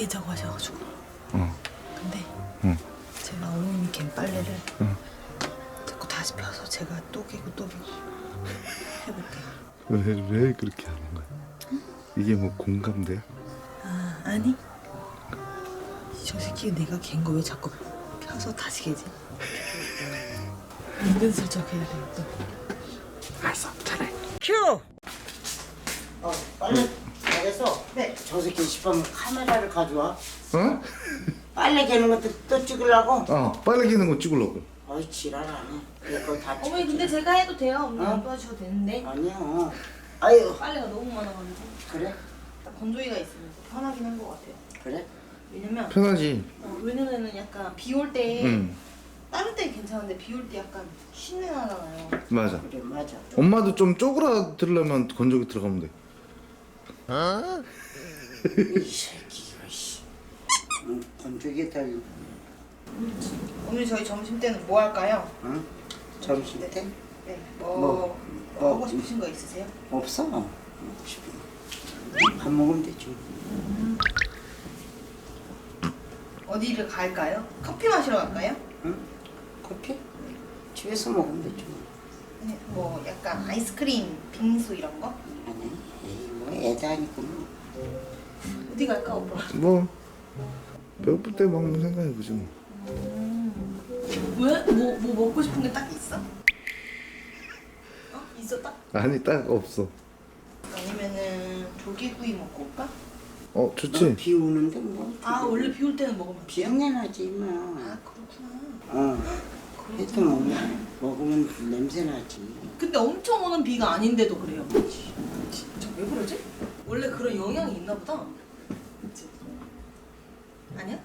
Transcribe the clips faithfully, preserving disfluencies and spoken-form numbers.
개자고 하셔가지고. 어. 근데 응. 제가 어머님이 갠 빨래를 응. 자꾸 다시 펴서 제가 또 개고 또 개고 해볼게요. 왜, 왜 그렇게 하는 거야? 이게 뭐 공감돼? 아 아니 저 새끼 내가 갠 거 왜 자꾸 펴서 다시 개지? 은근슬쩍 해야 돼 또. 알았어, 잘해. 큐! 어, 빨래 잘해서 네. 저 새끼 싶으면 카메라를 가져와. 어? 빨래 개는 것도 또 찍으려고? 어, 빨래 기는 거 찍으려고. 어이 지랄하네. 이거 다 어머니 찍지. 근데 제가 해도 돼요? 어머니 어? 안 도와주셔도 되는데 아니야. 아유 빨래가 너무 많아가지고 그래? 딱 건조기가 있으면 더 편하긴 한 것 같아요. 그래? 왜냐면 편하지. 어, 왜냐면은 약간 비 올 때 응, 다른 때 괜찮은데 비 올 때 약간 쉰내 나잖아요. 맞아. 그래 맞아. 엄마도 좀 쪼그라들려면 건조기 들어가면 돼. 이 새끼가 씨. 응, 건조기 달. 오늘 저희 점심 때는 뭐 할까요? 응? 점심 때? 네. 뭐, 뭐, 뭐 하고 뭐, 싶으신 거 있으세요? 없어. 먹고 싶은 거. 밥 먹으면 되지. 어디를 갈까요? 커피 마시러 갈까요? 응? 커피? 집에서 먹으면 되지. 아니, 뭐 약간 아이스크림, 빙수 이런 거? 아니, 에이, 뭐 애다 하니까 뭐. 어디 갈까 오빠? 뭐 배고플 때 먹는 생각해보지 뭐. 왜? 뭐, 뭐 먹고 싶은 게 딱 있어? 어? 있어 딱? 아니 딱 없어. 아니면은 조개구이 먹고 올까? 어 좋지. 비 오는데 뭐. 아 원래 비 올 때는 먹으면 안 돼? 비염내 나지 뭐. 아 그렇구나. 어. 해도 먹으면 먹으면 냄새 나지. 근데 엄청 오는 비가 아닌데도 그래요. 진짜 왜 그러지? 원래 그런 영향이 있나 보다. 그치? 아니야?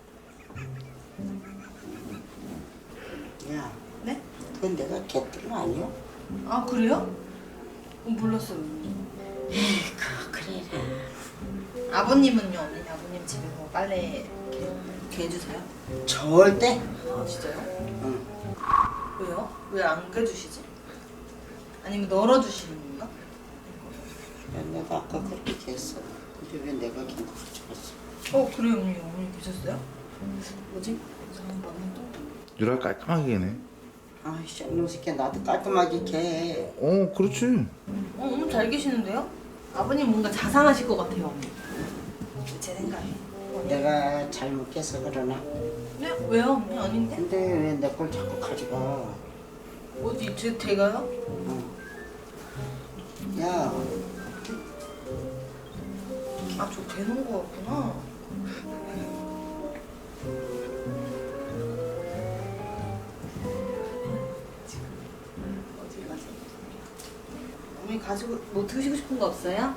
야, 네? 그건 내가 개뜬 거 아니야? 아 그래요? 어, 몰랐어요. 그 그래라. 아버님은요? 어머니 아버님 집에 뭐 빨래 이렇게, 이렇게 해주세요? 절대. 아 진짜요? 응. 왜요? 왜 안 해주시지? 아니면 널어주시는 건가? 야, 내가 아까 그렇게 했어. 근데 왜 내가 긴 거 가져갔어? 어 그래요 어머니 어머니 계셨어요? 뭐지? 이상한 거는 또 유라 깔끔하게 해네. 아이씨, 이놈 새끼 나도 깔끔하게 개. 어 그렇지. 어, 어머니 잘 계시는데요? 아버님 뭔가 자상하실 것 같아요 어머니 제 생각에 내가 잘못 깨서 그러나? 네? 왜요 어머니? 아닌데? 근데 왜 내 걸 자꾸 가져가? 어디 제 제가요? 어. 야, 아 저 대놓은 거였구나 지금 어디 가세요? 어머니 가지고 뭐 드시고 싶은 거 없어요?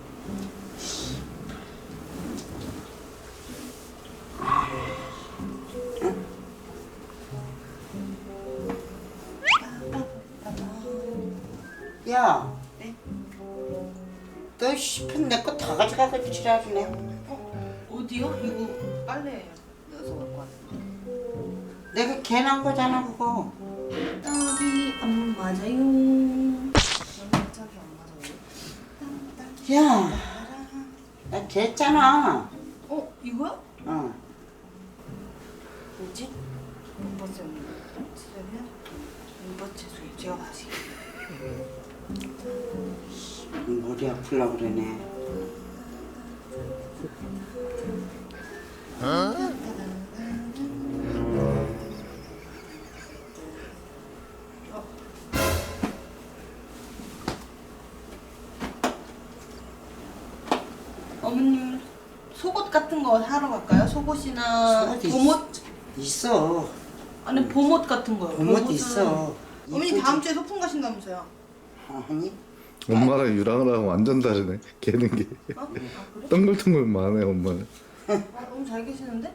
야, 네? 너 싶은 내 거 다 가져가고 지랄이네. 어? 어디요? 이거 빨래 넣어서 갖고 왔는데 내가 개난 거잖아 그거. 딸이 안 맞아요 갑자기 안 맞아요 야, 나 개했잖아. 어? 이거야? 어. 뭐지? 못 봤어요. 쓰려면 이버채소 제가 다시. 머리 아플라 그러네. 어머님 속옷 같은 거 사러 갈까요? 속옷이나 속옷 있- 봄옷? 있어. 아니 봄옷 같은 거요. 봄옷 봄옷은- 있어. 어머니 이쁘지? 다음 주에 소풍 가신다면서요? 아니? 엄마랑 유랑이랑 완전 다르네. 개는 게 어? 아 그래? 덩글덩글만해 엄마는. 아, 너무 잘 계시는데?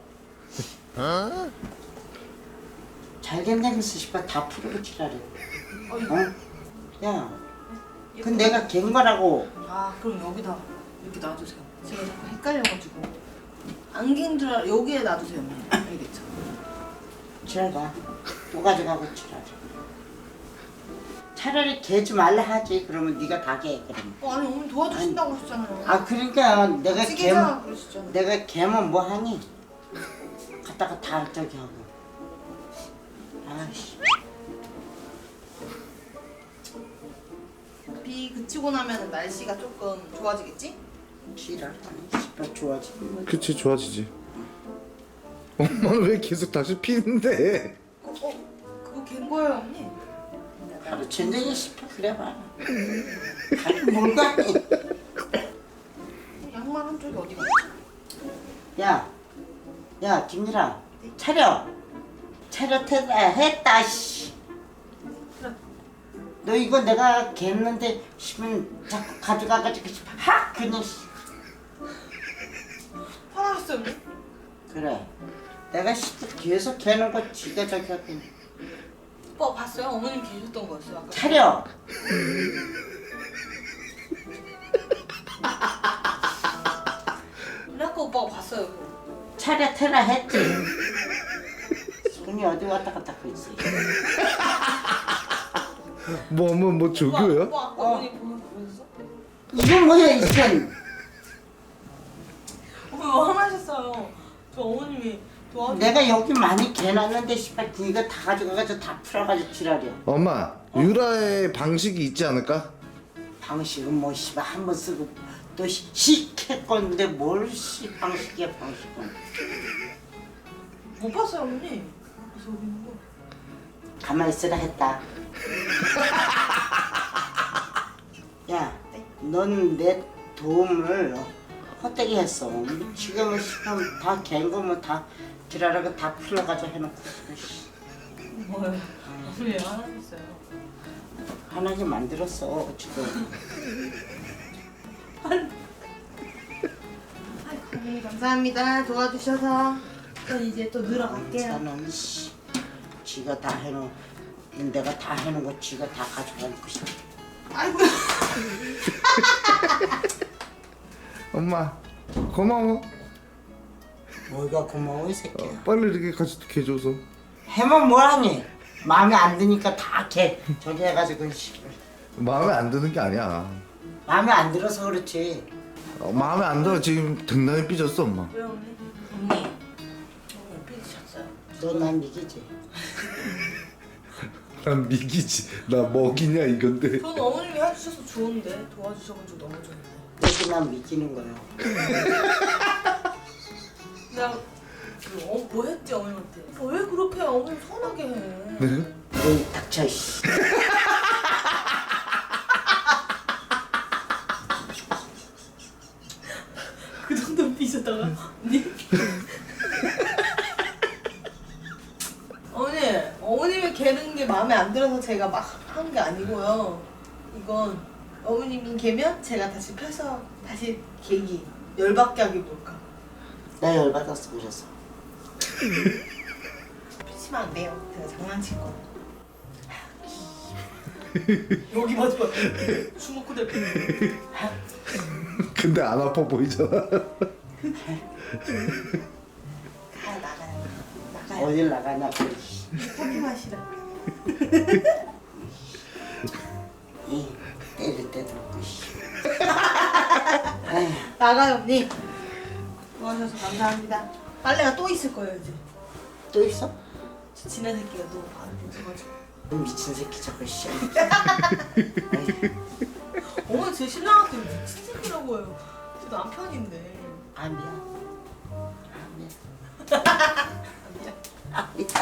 잘 된다면서 씨발 다 풀고 지랄해. 어, 이거. 어? 야, 그건 내가 갠 거라고. 아 그럼 여기다 이렇게 놔두세요. 제가 자꾸 헷갈려가지고 안긴 줄 알... 여기에 놔두세요. 어머니. 알겠죠? 지랄 가. 또 가져가고 지랄. 차라리 개지 말라 하지. 그러면 네가 다 개. 그러면. 어, 아니 어머니 도와주신다고 하셨잖아요. 아 그러니까 내가 개 찌개잖아 그러셨잖아요. 내가 개면 뭐 하니? 갖다가 다 저기 하고. 아씨. 비 그치고 나면 날씨가 조금 좋아지겠지? 지랄 아니 씨발 좋아지는 거지. 그치 좋아지지. 엄마는 왜 계속 다시 피는데? 어, 어 그거 갠 거예요 언니? 하루 전쟁이 씨발 그래봐. 아니 뭘 가니? 양말 한쪽이 어디 갔지? 야, 야 김일아 차려. 차려 태다 했다 씨. 너 이거 내가 겠는데 싶으면 자꾸 가져가가지고 확 그냥 씨. 화나셨어요 언니? 그래. 내가 씨 계속 개는 거 지가 저기 하고. 오빠 봤어요? 어머님 계셨던 거였어요 아까. 차려. 근데 아까 오빠가 봤어요 그거. 차려 태라 했지. 손이 어디 왔다 갔다 하고 있어. 뭐 엄마 뭐 오빠, 조교야? 오빠 아까 어머니 보면 보셨어? 이건 뭐야 이건? 오빠 왜 화나셨어요? 저 어머님이 도와주. 내가 여기 많이 개놨는데 씨발 이거 다 가져가가지고 다 풀어가지고 지랄이야. 엄마 유라의 방식이 있지 않을까? 방식은 뭐 씨발 한 번 쓰고 또 시킬 건데 뭘 씨 방식이야 방식은. 못 봤어요 어머니. 그래서 여기 있는 거. 가만히 있으라 했다. 야, 넌 내 도움을 헛되게 했어. 지금은 씨발 다갠 거면 다 지랄하고 다 풀어가지고 해놓고 씨. 뭐요? 어머니 왜 화나셨어요? 하나게 만들었어 지금. 아이고 어머니 감사합니다 도와주셔서. 전 이제 또 늘어갈게요. 저는 씨, 지가 다 해놓은 내가 다 해놓은 거 지가 다 가져가놓고 싶어. 아이고. 엄마 고마워. 뭐가 고마워 이 새끼야. 어, 빨리 이렇게 같이 개줘서. 해면 뭐하니? 마음에 안 드니까 다 개 저기 해가지고 씨. 마음에 안 드는 게 아니야. 마음에 안 들어서 그렇지. 어, 마음에 안 들어. 지금 등단이 삐졌어 엄마. 왜 언니? 언니. 언니 삐지셨어요. 너 난 이기지. 난 미기지. 나 먹이냐 이건데. 저는 어머님이 해주셔서 좋은데 도와주셔가지고 너무 좋은데. 너도 난 미기는 거야. 내가 그 어, 뭐 했지 어머님한테? 어, 왜 그렇게 어머님 서운하게 해? 네? 너희 닥쳐 씨. 그 정도 삐졌다가 언니? 어머니, 어머님이 개는 게 마음에 안 들어서 제가 막 한 게 아니고요. 이건 어머님이 개면 제가 다시 펴서 다시 개기 열받게 하기 뭘까? 나 열받았어 그래서. 피치면 안 돼요. 제가 장난칠 거. 여기 맞아. 주먹구대. 근데 안 아파 보이잖아. 가 나가요. 나가요. 어딜 나가냐 그 커피 마시라. 이 때릴 때도 없고 씨. 나가요 언니. 도와주셔서 감사합니다. 빨래가 또 있을 거예요 이제. 또 있어? 저 지난 새끼가 또 발을 벗어가지고. 미친 새끼 저거 씨. 어머니 제 신랑한테 미친 새끼라고 해요. 제 남편인데. 아니야. 아니야.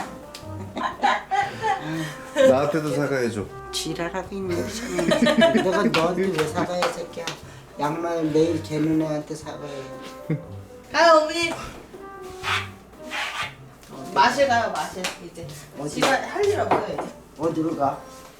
나한테도 사과해줘. 지랄하고 있는 참. 내가 너한테 왜 사과해 새끼야. 양말 매일 개는 애한테 사과해. 가요 어머니. 마실 가요 마실 이제. 어디? 집에 할 일 없어요 이제. 어디로 가?